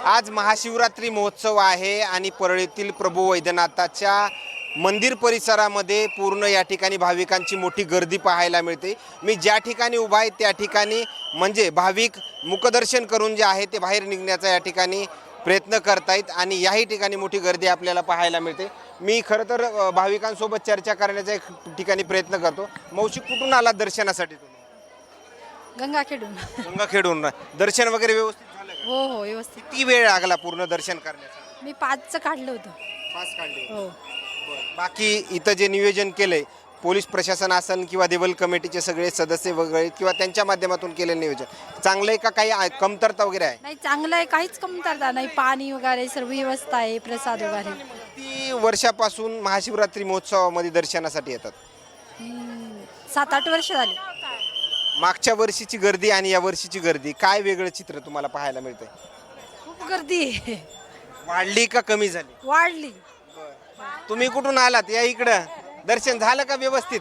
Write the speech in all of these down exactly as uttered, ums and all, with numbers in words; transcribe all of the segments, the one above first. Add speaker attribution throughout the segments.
Speaker 1: आज महाशिवरात्री महोत्सव आहे आणि परळीतील प्रभू वैद्यनाथाच्या मंदिर परिसरामध्ये पूर्ण या ठिकाणी भाविकांची मोठी गर्दी पाहायला मिळते। मी ज्या ठिकाणी उभा आहे त्या ठिकाणी म्हणजे भाविक मुखदर्शन करून जे आहे ते बाहेर निघण्याचा या ठिकाणी प्रयत्न करतायत आणि याही ठिकाणी मोठी गर्दी आपल्याला पाहायला मिळते। मी खरं तर भाविकांसोबत चर्चा करण्याचा एक ठिकाणी प्रयत्न करतो। मावशी, कुठून आला दर्शनासाठी तुम्ही?
Speaker 2: गंगाखेडून।
Speaker 1: गंगाखेडून दर्शन वगैरे व्यवस्थित झालं का?
Speaker 2: हो हो व्यवस्थित।
Speaker 1: किती वेळ लागला पूर्ण दर्शन करण्यासाठी?
Speaker 2: मी पाचचं काढलं होतं।
Speaker 1: पाच काढले?
Speaker 2: हो।
Speaker 1: बाकी इथं जे नियोजन केलंय पोलीस प्रशासन असन किंवा देवल कमिटीचे सगळे सदस्य वगैरे किंवा त्यांच्या माध्यमातून केलेलं नियोजन चांगलं आहे का? काही कमतरता वगैरे आहे?
Speaker 2: नाही, चांगलं आहे, काहीच कमतरता नाही। पाणी वगैरे सर्व व्यवस्था आहे, प्रसाद वगैरे।
Speaker 1: किती वर्षापासून महाशिवरात्री महोत्सवामध्ये दर्शनासाठी येतात?
Speaker 2: हम्म, सात आठ वर्ष झाली।
Speaker 1: मागच्या वर्षीची गर्दी आणि या वर्षीची गर्दी काय वेगळं चित्र तुम्हाला पाहायला मिळतंय?
Speaker 2: खूप गर्दी आहे।
Speaker 1: वाढली का कमी झाली?
Speaker 2: वाढली।
Speaker 1: तुम्ही कुठून आलात? या इकडं दर्शन झालं का व्यवस्थित?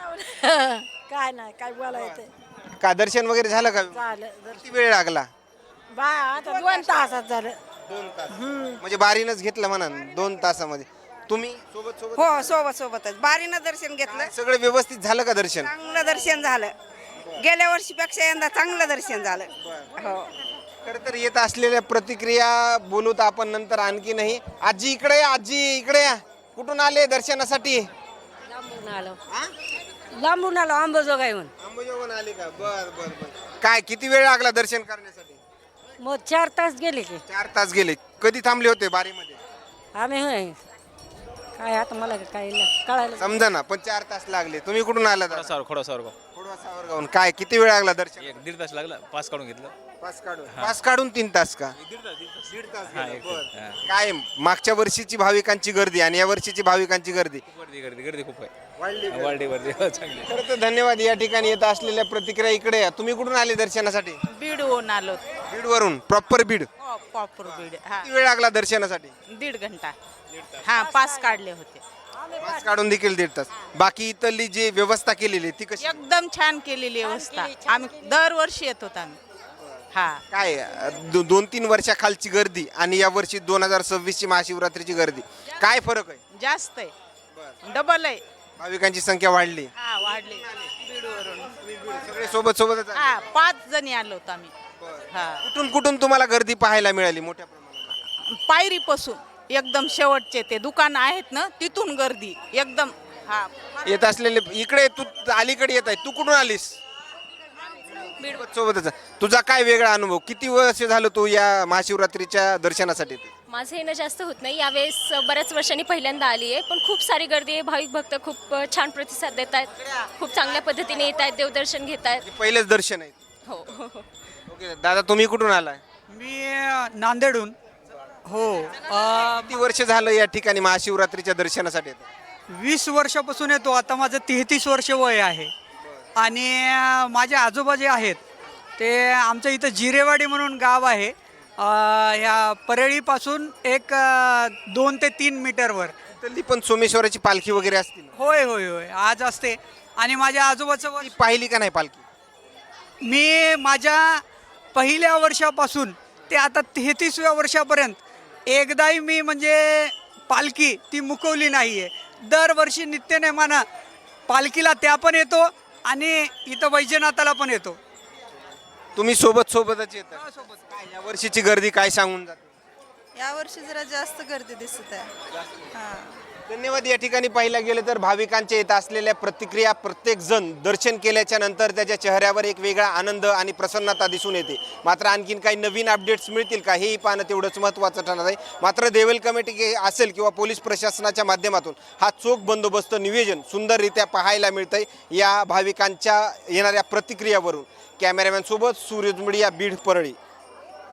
Speaker 2: काय नाही, काय बोलायचं?
Speaker 1: का दर्शन वगैरे झालं का?
Speaker 2: झालं।
Speaker 1: किती वेळ लागला?
Speaker 2: बा आता दोन तासात झालं।
Speaker 1: दोन तास म्हणजे बारीनच घेतलं म्हणा दोन तासामध्ये? तुम्ही सोबत सोबत
Speaker 3: हो, सोबत सोबतच बारीनं दर्शन घेतलं।
Speaker 1: सगळं व्यवस्थित झालं का दर्शन?
Speaker 3: चांगलं दर्शन झालं। गेल्या वर्षीपेक्षा यंदा चांगलं दर्शन झालं। हो।
Speaker 1: खरं तर येत असलेल्या प्रतिक्रिया बोलूत आपण नंतर आणखी नाही। आजी इकडे या, आजी इकडे या। कुठून आले दर्शनासाठी?
Speaker 4: लांबून आलो
Speaker 1: हा?
Speaker 4: लांबून आलो अंबाजोगाईहून।
Speaker 1: अंबाजोगाईहून आले का? बर बर बर। काय किती वेळ लागला दर्शन करण्यासाठी?
Speaker 4: मग चार तास गेले की
Speaker 1: चार तास गेले। कधी थांबले होते बारीमध्ये?
Speaker 4: आम्ही होय काय आता मला काय कळायला
Speaker 1: समजा ना, पण चार तास लागले। तुम्ही कुठून आला?
Speaker 5: खोडासावर खोडासावर
Speaker 1: खोडवा सावरगावून। काय किती वेळ लागला दर्शन?
Speaker 5: एक दीड तास लागला, पास काढून घेतलं.
Speaker 1: पास काढून पास काढून तीन तास का?
Speaker 5: दीड तास दीड तास
Speaker 1: दीड तास
Speaker 5: हा,
Speaker 1: गेला,
Speaker 5: एक
Speaker 1: बर.
Speaker 5: तास, हा.
Speaker 1: काय मागच्या वर्षीची भाविकांची गर्दी आणि या वर्षीची भाविकांची गर्दी
Speaker 5: खूप गर्दी गर्दी गर्दी खूप आहे.
Speaker 1: वाढली का?
Speaker 5: वाढली गर्दी हो, चांगली.
Speaker 1: खरं तर धन्यवाद। या ठिकाणी येत असलेल्या प्रतिक्रिया इकडे या। तुम्ही कुठून आले दर्शनासाठी?
Speaker 3: बीडहून आलो।
Speaker 1: बीड वरून प्रॉपर बीड?
Speaker 3: हो, प्रॉपर बीड। हा,
Speaker 1: किती वेळ लागला दर्शनासाठी?
Speaker 3: दीड घंटा। हा, पास काढले होते।
Speaker 1: पास काढून देखील दीड तास। बाकी इथली जी व्यवस्था केलेली ती कशी?
Speaker 3: एकदम छान केलेली व्यवस्था। आम्ही दरवर्षी येत होतो आम्ही। हा,
Speaker 1: काय दो, दोन तीन वर्षाखालची गर्दी आणि या वर्षी दोन हजार सव्वीस ची महाशिवरात्रीची गर्दी काय फरक आहे?
Speaker 3: जास्त आहे, डबल आहे।
Speaker 1: भाविकांची संख्या वाढली?
Speaker 3: हा, वाढले बीडवरून।
Speaker 1: सगळे सोबत सोबतच आले?
Speaker 3: हा, पाच जणी आलो होतो आम्ही। हा,
Speaker 1: कुठून कुठून तुम्हाला गर्दी पाहायला मिळाली मोठ्या प्रमाणात?
Speaker 3: पायरीपासून एकदम शेवटचे ते दुकान आहेत ना, तिथून गर्दी एकदम। हा,
Speaker 1: येत असलेले इकडे तू अलीकडे येत आहे। तू कुठून आलीस? सोबत सोबतच। तुझा काय वेगळा अनुभव? किती वर्ष झालं तू या महाशिवरात्रीच्या दर्शनासाठी येते?
Speaker 6: माझं येणं जास्त होत नाही, यावेळेस बऱ्याच वर्षांनी पहिल्यांदा आली आहे, पण खूप सारी गर्दी आहे। भाविक भक्त खूप छान प्रतिसाद देत आहेत, खूप चांगल्या पद्धतीने येत आहेत, देवदर्शन घेत आहेत।
Speaker 1: पहिलेच दर्शन आहे?
Speaker 6: हो
Speaker 1: ओके दादा, तुम्ही कुठून आलाय?
Speaker 7: मी नांदेडहून। हो, अ,
Speaker 1: किती वर्ष झालं या ठिकाणी महाशिवरात्रीच्या दर्शनासाठी येतं?
Speaker 7: वीस वर्षापासून येतो। आता माझं तेहतीस वर्ष वय आहे आणि अ, माझे आजोबा जे आहेत ते आमचं इथं जिरेवाडी म्हणून गाव आहे, अ, ह्या परळीपासून एक अ, दोन ते तीन मीटरवर।
Speaker 1: इथली पण सोमेश्वराची पालखी वगैरे असते ना?
Speaker 7: होय होय होय, आज असते। आणि माझ्या आजोबाचं वय,
Speaker 1: ती पाहिली का नाही पालखी?
Speaker 7: मी माझ्या पहिल्या वर्षापासून ते आता तेहतीसव्या वर्षापर्यंत एकदाही मी म्हणजे पालखी ती मुकवली नाही आहे। दरवर्षी नित्यनेमानं पालखीला त्या पण येतो आणि इथं वैजनाथाला पण येतो।
Speaker 1: तुम्ही सोबत सोबतच येत? काय या वर्षीची गर्दी काय सांगून जाते?
Speaker 3: या वर्षी जरा जास्त गर्दी दिसत आहे। हा,
Speaker 1: धन्यवाद। या ठिकाणी पाहिलं गेलं तर भाविकांच्या येत असलेल्या प्रतिक्रिया, प्रत्येक जण दर्शन केल्याच्या नंतर त्याच्या चेहऱ्यावर एक वेगळा आनंद आणि प्रसन्नता दिसून येते। मात्र आणखीन काही नवीन अपडेट्स मिळतील का हेही पाहणं तेवढंच महत्त्वाचं ठरणार आहे। मात्र देवल कमिटी असेल किंवा पोलीस प्रशासनाच्या माध्यमातून हा चोख बंदोबस्त नियोजन सुंदररित्या पाहायला मिळतंय या भाविकांच्या येणाऱ्या प्रतिक्रियावरून। कॅमेरामॅन सोबत सूरज मीडिया, बीड, परळी।